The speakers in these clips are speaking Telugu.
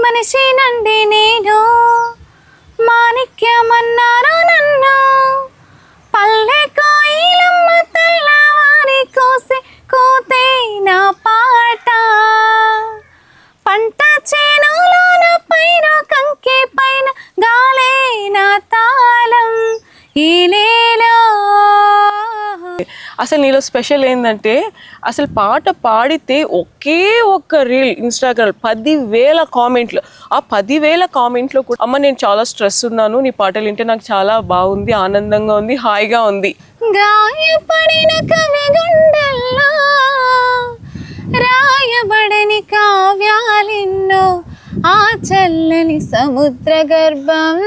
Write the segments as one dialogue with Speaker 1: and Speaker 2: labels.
Speaker 1: మనిషి నండి నేను మాణిక్యమన్నారు నన్ను పల్లె కోయిలమ్మ తెల్లవారి కోసే కోతే నా పాట పంట చేనులోన పైన కంకి పైన గాలే నా తాళం ఈ నేలో.
Speaker 2: అసలు నీలో స్పెషల్ ఏంటంటే అసలు పాట పాడితే ఒకే ఒక్క రీల్ ఇన్స్టాగ్రామ్ 10,000 కామెంట్లు. ఆ 10,000 కామెంట్లో కూడా అమ్మ నేను చాలా స్ట్రెస్ ఉన్నాను, నీ పాటలు వింటే నాకు చాలా బాగుంది, ఆనందంగా ఉంది, హాయిగా ఉంది.
Speaker 1: గాయపడిన కవి గుండెల్లో రాయబడని కావ్యాలిన్నో ఆ చల్లని సముద్ర గర్భం.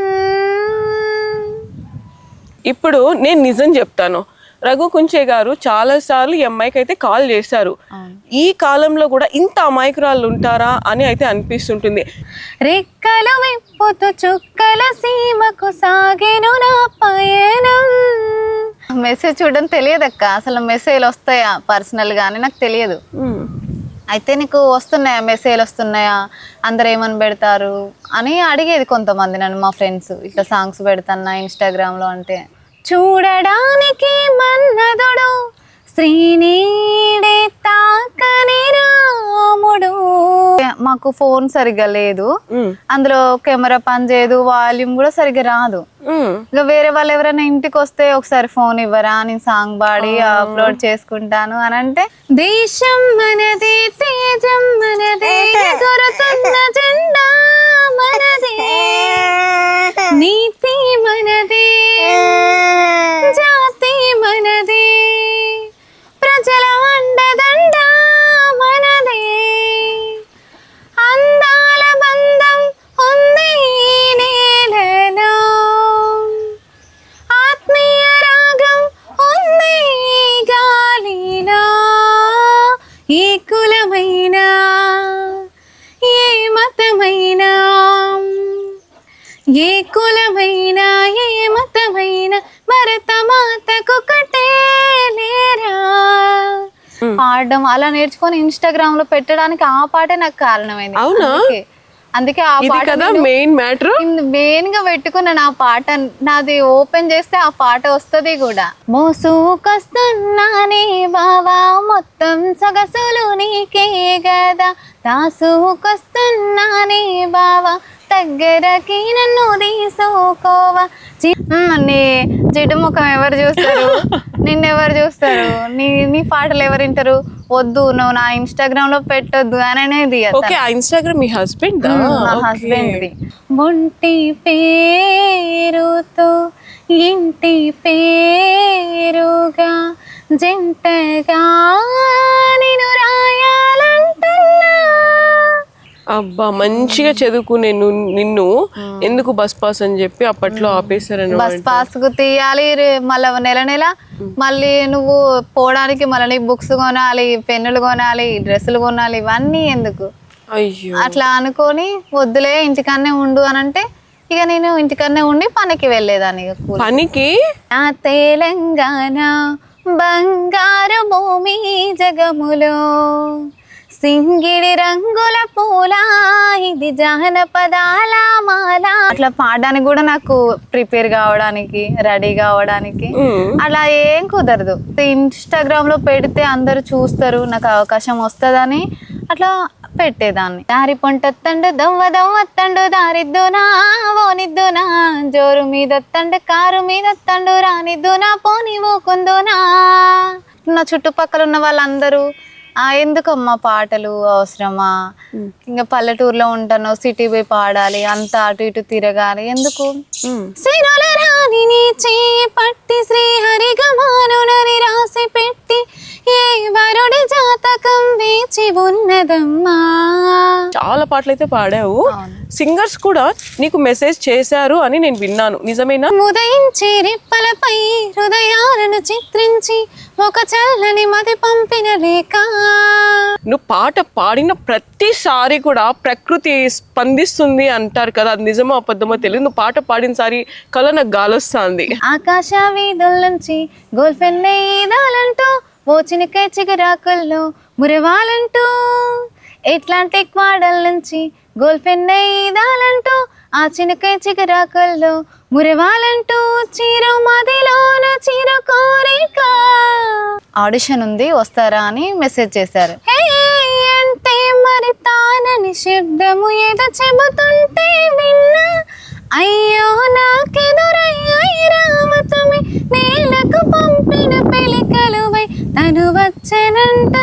Speaker 2: ఇప్పుడు నేను నిజం చెప్తాను, రఘు కుంచే గారు చాలా సార్లు ఈ అమ్మాయికి అయితే కాల్ చేశారు. ఈ కాలంలో కూడా ఇంత అమాయకురాళ్ళు ఉంటారా అని అయితే అనిపిస్తుంటుంది.
Speaker 1: రెక్కలు విప్పుతూ చుక్కల సీమకు సాగెను నా పయనం. మెసేజ్ చూడడం తెలియదక్క, అసలు మెసేజ్లు వస్తాయా పర్సనల్ గానీ నాకు తెలియదు. అయితే నీకు వస్తున్నాయా మెసేజ్లు వస్తున్నాయా, అందరు ఏమని పెడతారు అని అడిగేది కొంతమంది నన్ను, మా ఫ్రెండ్స్ ఇట్లా సాంగ్స్ పెడతాన్నా ఇన్స్టాగ్రామ్లో అంటే. చూడడానికి మన్నదుడు శ్రీనీడే తాకని రాముడు. మాకు ఫోన్ సరిగ్గా లేదు, అందులో కెమెరా పని చేయదు, వాల్యూమ్ కూడా సరిగ్గా రాదు. ఇక వేరే వాళ్ళు ఎవరైనా ఇంటికి వస్తే ఒకసారి ఫోన్ ఇవ్వరా, నేను సాంగ్ పాడి అప్లోడ్ చేసుకుంటాను అని అంటే, దేశం మనదే తేజం మనదే దొరుకుతున్న జెండా మనదే నీతి మనదే జాతి మనదే ప్రజల అండదండ మనదే అందాల బంధం ఉంది నేలలో ఆత్మీయ రాగం ఉంది గాలిలో ఏ కులమైన ఏ మతమైనా ఏ కులమైన ఏ మతమైన భరత మాతకు కటే లేరా. పాడడం అలా నేర్చుకొని ఇన్స్టాగ్రామ్ లో పెట్టడానికి ఆ పాటే నాకు కారణమైంది. అందుకే ఆ పాట మెయిన్ గా పెట్టుకున్నాను. ఆ పాట నాది ఓపెన్ చేస్తే ఆ పాట వస్తుంది కూడా. మోసుకొస్తున్నానే బావా మొత్తం సొగసులు నీకే గదా, దాసుకొస్తున్నానే బావా దగ్గరకి నన్ను తీసుకోవా. నీ జిడ్డు ముఖం ఎవరు చూస్తారు, నిన్నెవరు చూస్తారు, నీ పాటలు ఎవరు వింటారు, వద్దు నువ్వు నా ఇన్స్టాగ్రామ్ లో పెట్టొద్దు అని అనేది.
Speaker 2: మీ హస్బెండ్
Speaker 1: హస్బెండ్ ఒంటి పేరుతో ఇంటి పేరుగా జంటగా నేను రాయాలంటున్నా.
Speaker 2: అబ్బా మంచిగా చదువుకునే నిన్ను ఎందుకు బస్ పాస్ అని చెప్పి అప్పట్లో ఆపేశారని.
Speaker 1: బస్ పాస్ కు తీయాలి మళ్ళీ నెల మళ్ళీ నువ్వు పోవడానికి మళ్ళీ నీ బుక్స్ కొనాలి, పెన్నులు కొనాలి, డ్రెస్సులు కొనాలి, ఇవన్నీ ఎందుకు అట్లా అనుకొని వద్దులే ఇంటికన్నే ఉండు అని అంటే ఇక నేను ఇంటికన్నే ఉండి పనికి వెళ్ళేదాన్ని.
Speaker 2: పనికి
Speaker 1: నా తెలంగాణ బంగారు భూమి జగములో సింగిడి రంగుల పూల ఇది జానపదాల మాల. అట్లా పాడడానికి కూడా నాకు ప్రిపేర్ కావడానికి రెడీ కావడానికి అలా ఏం కుదరదు. ఇన్స్టాగ్రామ్ లో పెడితే అందరు చూస్తారు, నాకు అవకాశం వస్తుందని అట్లా పెట్టేదాన్ని. దారి పొంటొత్తండు దవ్వదవ్వత్తండు దారిద్దునా ఓనిద్దునా జోరు మీదొత్తండు కారు మీదొత్తండు రానిద్దునా పోని ఊకుందునా. నా చుట్టుపక్కల ఉన్న వాళ్ళందరూ ఎందుకమ్మా పాటలు అవసరమా, ఇంకా పల్లెటూరులో ఉంటాను సిటీ పోయి పాడాలి, అంత అటు ఇటు తిరగాలి ఎందుకు. శ్రీరాల రాణిని చేయి పట్టి శ్రీహరిగమానునని రాసి పెట్టి ఏ వరుడి జాతకం వేచి ఉన్నదమ్మా.
Speaker 2: చాలా పాటలు అయితే పాడావు. సింగర్స్ కూడా నీకు మెసేజ్ చేశారు అని నేను విన్నాను, నిజమేనా?
Speaker 1: ఉదయించి రిప్పలపై హృదయాలను చిత్రించి ఒక చల్లని మది పంపిన రేఖ.
Speaker 2: నువ్వు పాట పాడిన ప్రతిసారి కూడా ప్రకృతి స్పందిస్తుంది అంటారు కదా, అది నిజమో అబద్ధమో తెలియదు. నువ్వు పాట పాడినసారి కల నాకు గాలొస్తుంది.
Speaker 1: ఆకాశ వీధుల నుంచి గోల్ఫెన్నే ఈదాలంటూ ఓ చినికై చిగురాకుల్లో మురవాలంటూ అట్లాంటిక్ వాడల నుంచి గోల్ఫెన్ ఈదాలంటూ ఆ చినకై చిగురాకల్లో మురవాలంటూ చీర మదిలోన చీర కోరిక. ఆడిషన్ ఉంది వస్తారా అని మెసేజ్ చేశారు. హే అంటే మరి తానని శబ్దము ఏదో చెబుతుంటే విన్నా, అయ్యో నాకెదురయ్యాయి రామతమి నేలకు పంపిన పెలికలువై తను వచ్చెనంట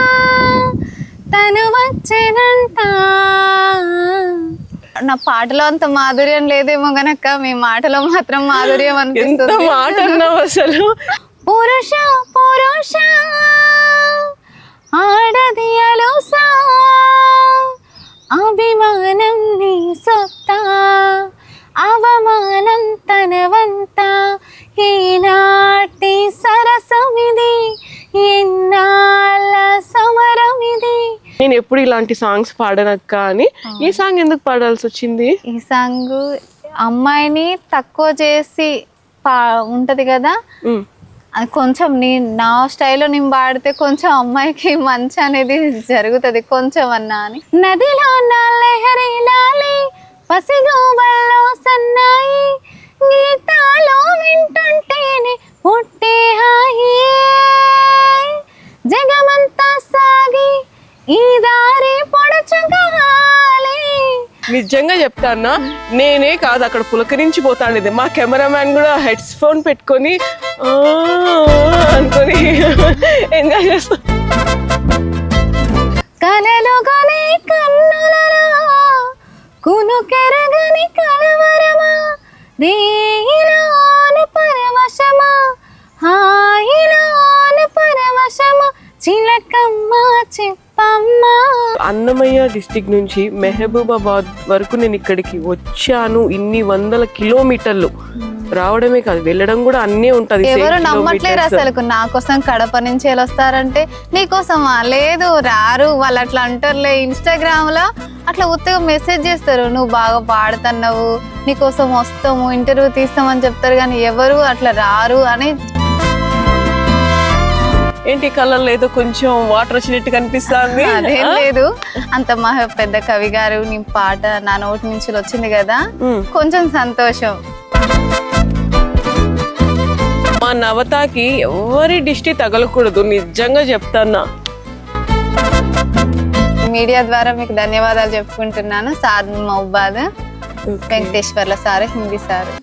Speaker 1: నా పాటలో అంత మాధుర్యం లేదేమో గనక మీ మాటలో మాత్రం మాధుర్యం అనిపిస్తుంది.
Speaker 2: మాట అన్నావు అసలు.
Speaker 1: పురుష పురుష ఆడది అలోసా అభిమానం నీ సొత్తా అవమానం తనవంత ఈనాటి సరసమిది ఎన్నాళ్ళ సమరమిది.
Speaker 2: నేను ఎప్పుడు ఇలాంటి సాంగ్స్ పాడనక్క అని ఈ సాంగ్ ఎందుకు పాడాల్సి వచ్చింది?
Speaker 1: ఈ సాంగ్ అమ్మాయిని తక్కువ చేసి ఉంటది కదా, అది కొంచెం నా స్టైల్లో నేను పాడితే కొంచెం అమ్మాయికి మంచి అనేది జరుగుతుంది కొంచెం అన్నా అని. నదిలో నా లహరి లాలి పసిగోబల్లో సన్నాయి గీతాలో వింటుంటేనే పుట్టే హాయి జగమంతా సాగి ఈ దారి పొడచగాలి.
Speaker 2: నిజంగా చెప్తానా, నేనే కాదు అక్కడ పులకరించిపోతాండేది. మా కెమెరామ్యాన్ కూడా హెడ్స్ ఫోన్ పెట్టుకొని అనుకొని ఎంజాయ్ చేస్తా.
Speaker 1: కలలుగానే కన్నులరా కునుకెరగని కలవరమా రేయిలోన పరవశమా హాయిలోన పరవశమా చిలకమ్మ చెప్పమ్మా.
Speaker 2: అన్నమయ్య డిస్టిక్ నుంచి మెహబూబాబాద్ వరకు నేను ఇక్కడికి వచ్చాను. ఇన్ని వందల కిలోమీటర్లు రావడమే కాదు వెళ్ళడం కూడా అన్నీ ఉంటది.
Speaker 1: ఎవరు నమ్మట్లేరు అసలు. నా కోసం కడప నుంచి వస్తారంటే నీకోసమా? లేదు రారు వాళ్ళు, అట్లా అంటారులే. ఇన్స్టాగ్రామ్ లో అట్లా ఉత్తగా మెసేజ్ చేస్తారు, నువ్వు బాగా పాడుతున్నావు నీకోసం వస్తాము ఇంటర్వ్యూ తీస్తామని చెప్తారు, కానీ ఎవరు అట్లా రారు అని.
Speaker 2: ఏంటి కళ్ళల్లో ఏదో కొంచెం వాటర్ వచ్చినట్టు కనిపిస్తుంది?
Speaker 1: అదేం లేదు, అంత మా పెద్ద కవి గారు నీ పాట నా నోటి నుంచి వచ్చింది కదా, కొంచెం సంతోషం.
Speaker 2: మా నవతకి ఎవరి దిష్టి తగలకూడదు, నిజంగా చెప్తానా.
Speaker 1: మీడియా ద్వారా మీకు ధన్యవాదాలు చెప్పుకుంటున్నాను. సాద్ మహబాద్ వెంకటేశ్వర్ల సార్, హిందీ సార్.